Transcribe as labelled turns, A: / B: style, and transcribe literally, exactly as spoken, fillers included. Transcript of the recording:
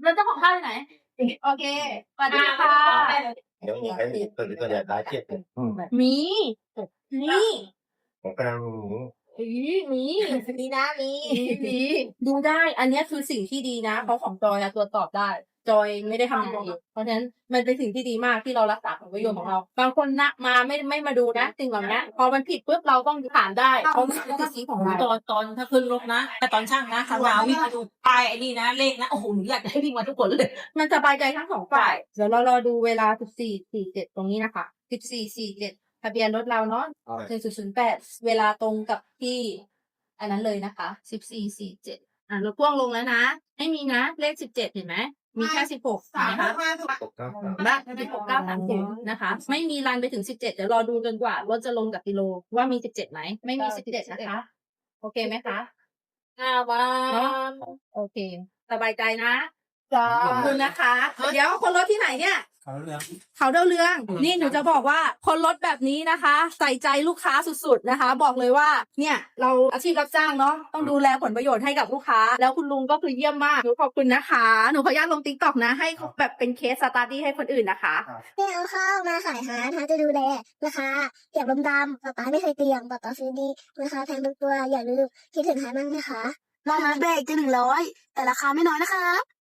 A: แล้วเจ้าของข้าวที่ไหนโอเคสวัสดีค่ะ
B: เดี๋ยวใครตัวตัวใหญ่ตายเจ็บ
A: มีนี่
B: ผมกำลัง
A: อีมี
C: มีนะมี
A: มีดูได้ อันนี้คือสิ่งที่ดีนะเพราะของจอยตรวจสอบได้ จอยไม่ได้ทำอะไรเองเพราะฉะนั้นมันเป็นสิ่งที่ดีมากที่เรารักษาผลประโยชน์ของเรา บางคนนะมาไม่ไม่มาดูนะสิ่งเหล่านี้พอมันผิดปุ๊บเราต้องถามได้เพราะมันเป็นสิทธิของเรา
D: ตอนตอนถ้าขึ้นรถนะแต่ตอนช่างนะขับมาวิ่งมาดูป้ายไอ้นี่นะเลขนะโอ้โหหนูอยากจะให้วิ่งมาทุกคนเลย
A: มันสบายใจทั้งสองฝ่าย เดี๋ยวเรารอดูเวลา สิบสี่ สี่สิบเจ็ด ตรงนี้นะคะ สิบสี่ สี่สิบเจ็ด ทะเบียนรถเราเนาะ หนึ่ง ศูนย์ ศูนย์ แปด เวลาตรงกับที่อันนั้นเลยนะคะ สิบสี่ สี่สิบเจ็ด อ่ะรถพ่วงลงแล้วนะ ไม่มีนะ เลข สิบเจ็ด เห็นไหม มีแค่ สิบหก นะคะ
B: ตกเก้าสาม
A: บ้านสิบหก เก้า สาม ศูนย์ นะคะ ไม่มีรันไปถึง สิบเจ็ด เดี๋ยวรอดูจนกว่ารถจะลงจากกิโลว่ามี สิบเจ็ด ไหม ไม่มี สิบเจ็ด นะคะ โอเคไหมคะอ่าวัน โอเค สบายใจนะ ขอบคุณนะคะ เดี๋ยวคนรถที่ไหนเนี่ย
D: เขาเรื่อง
A: เขาเดาเรือง นี่หนูจะบอกว่าคนรถแบบนี้นะคะ ใส่ใจลูกค้าสุดๆนะคะ บอกเลยว่าเนี่ยเราอาชีพรับจ้างเนาะต้องดูแลผลประโยชน์ให้กับลูกค้า แล้วคุณลุงก็คือเยี่ยมมากหนูขอบคุณนะคะหนูขออนุญาตลงติ๊กต็อกนะให้แบบเป็นเคสสตาร์ดี้ให้คนอื่นนะคะ
C: ไม่เอาข้าวมาขายหาทางจะดูแลราคาเก็บลมดำป๊าป๊าไม่เคยเตรียมป๊าป๊าซื้อดีราคาแพงทุกตัวอย่าลืมคิดถึงหามั่งนะคะ
E: รอบนัดเบรกจะหนึ่งร้อยแต่ราคาไม่น้อยนะคะ